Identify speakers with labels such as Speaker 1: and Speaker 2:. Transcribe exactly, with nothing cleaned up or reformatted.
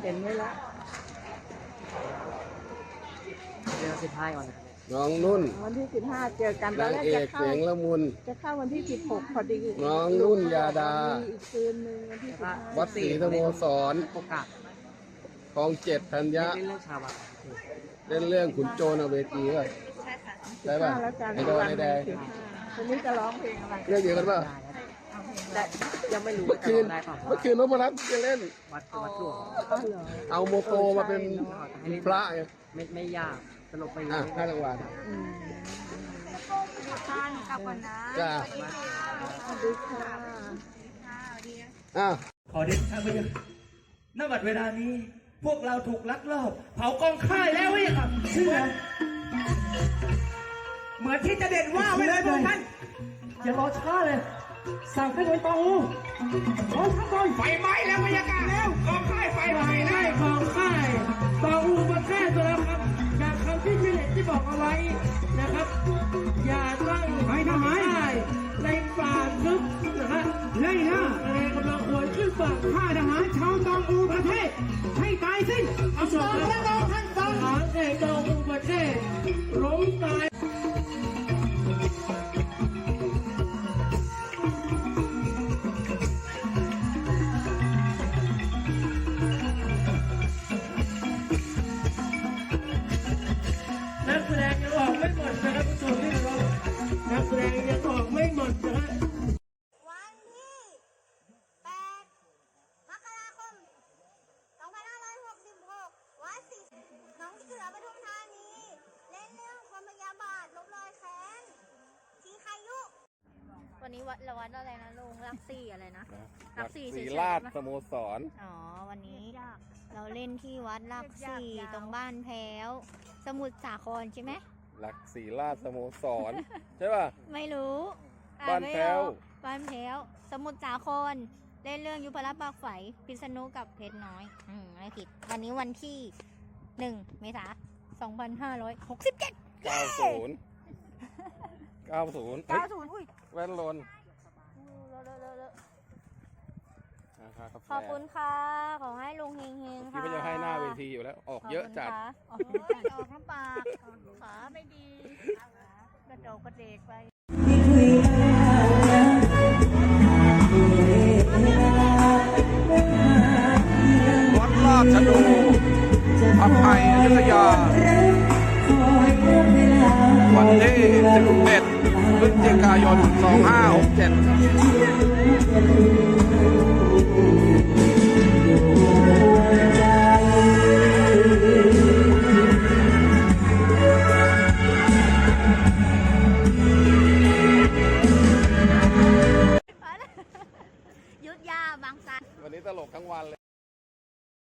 Speaker 1: เห็นไหมละ
Speaker 2: เดือนสิบห้าวันนะ
Speaker 3: น้องนุ่น
Speaker 1: วันที่สิบห้าเจอกันตอน
Speaker 3: นาง
Speaker 1: แรก
Speaker 3: เอ
Speaker 1: จะ
Speaker 3: ก
Speaker 1: เข้า
Speaker 3: เสียงละมุน
Speaker 1: จะเข้าวันที่สิบหกพอดี
Speaker 3: น้องนุ่นยาดา
Speaker 1: มีอีกคืนหนึ่งวันที่สิบห้า
Speaker 3: วัดศรีสโมสร
Speaker 2: โอกาส
Speaker 3: คลองเจ็ดธัญญะ
Speaker 2: เล่นเรื่องชาวบ้าน
Speaker 3: เล่นเรื่องขุนโจรเอาเวทีป่ะใช่ป่ะ
Speaker 1: แล้วกัน
Speaker 3: ไอ้ดอนไอ้แดง
Speaker 1: สิบห้าวันนี้จะร้องเพลงอะไร
Speaker 3: เรื่องเดียวกันป่ะ
Speaker 2: ได้ยังไม่รู้
Speaker 3: เมื่อคืน
Speaker 2: ได้เปล่า
Speaker 3: เมื่อคืนนพรัตน์จะเล่น
Speaker 2: วัดวัดหลวง
Speaker 1: อ๋อเหรอ
Speaker 3: เอาโมโตมาเป็นพระไง
Speaker 2: ไม่ไม่ยากสนุกไป
Speaker 3: อ่ะห้ารางวัล
Speaker 1: อืม
Speaker 4: ท่านกลับก่อนนะ
Speaker 3: จ้า
Speaker 1: สวัสดีค่ะ
Speaker 3: อ้าว
Speaker 5: ขอเดชะพระยาณบัดเวลานี้ พวกเราถูกลักลอบเผากองค่ายแล้วเว้ยครับเชื่อเหมือนที่จะเด่นว่าไว้เลยพวกท่านอย่ารอช้าเลยสั่งให้หน่วยตองอูพร้อมทั้งตอนไฟไหม้แล้วพระยากาแล้วกองค่ายไฟไหม้แล้วกองค่ายตองอูมาแค่ตัวแล้วครับจากคำที่พี่เล็กที่บอกเอาไว้นะครับ อย่าตั้งไฟทำไมในป่าลึกนะฮะไล่ล่าอะไรกำลังขวนขึ้นฝั่งฆ่าทหารชาวตองอูประเทศให้ตายสิ้นเอาสองแล้วเราท่านฟังทหารในตองอูประเทศล้มตายนักแสดงยังออกไม่หมดนะครับผู้ชมที่เคารพนักแสดงยังออกไม่หมดนะฮะ
Speaker 4: วันที่แปดมกราคมสองพันห้าร้อยหกสิบหกวัดศรีหนองเสือปทุมธานี เล่นเรื่องความพยาบาทลบรอยแค้นทีใครยุ
Speaker 6: วันนี้วัดละวัดอะไรนะลุงรักสี่อะไรนะ รักสี่เฉ
Speaker 3: ศรี
Speaker 6: ย
Speaker 3: ราช
Speaker 6: ๆ
Speaker 3: สโมสร
Speaker 6: อ๋อวันนี้เราเล่นที่วัดรักสี่ตรงบ้านแพ้ว สมุทรสาครใช่ไหม
Speaker 3: หลักศรีราชสโมสร ใช่ป่ะ
Speaker 6: ไม่รู้อ่
Speaker 3: บ้านแพ้ว
Speaker 6: ไม่รู้บ้านแพ้ว สมุทรสาครเล่นเรื่องยุพรัตน์ปากไฝพิษณุกับเพชรน้อย อืมไม่ผิด วันนี้วันที่หนึ่งเมษายนสองพันห้าร้อยหกสิบเจ็ด
Speaker 3: เก้าศูนย์ เก้าศูนย์
Speaker 6: เก้าศูนย์อุ้ย
Speaker 3: แว่นลน
Speaker 6: เลอะเลอะเลอะเลอะ
Speaker 3: นะครับ
Speaker 6: ขอบคุณค่ะ ขอให้ลุงเฮงเฮง
Speaker 3: ที่
Speaker 6: ค่ะ
Speaker 3: ก็จะให้หน้าเวทีอยู่แล้ว ออกเยอะจัด
Speaker 6: ขอบคุณค่ะออกน้ำปากขาไม่ดีกระโดดกระเดกไป
Speaker 3: วัดราชดูอภัยอยุธยา วันที่สิบเอ็ดพฤศจิกายนสองห้าหกเจ็ด
Speaker 6: ยุทธยาบางสัน
Speaker 3: วันนี้ตลกทั้งวันเลย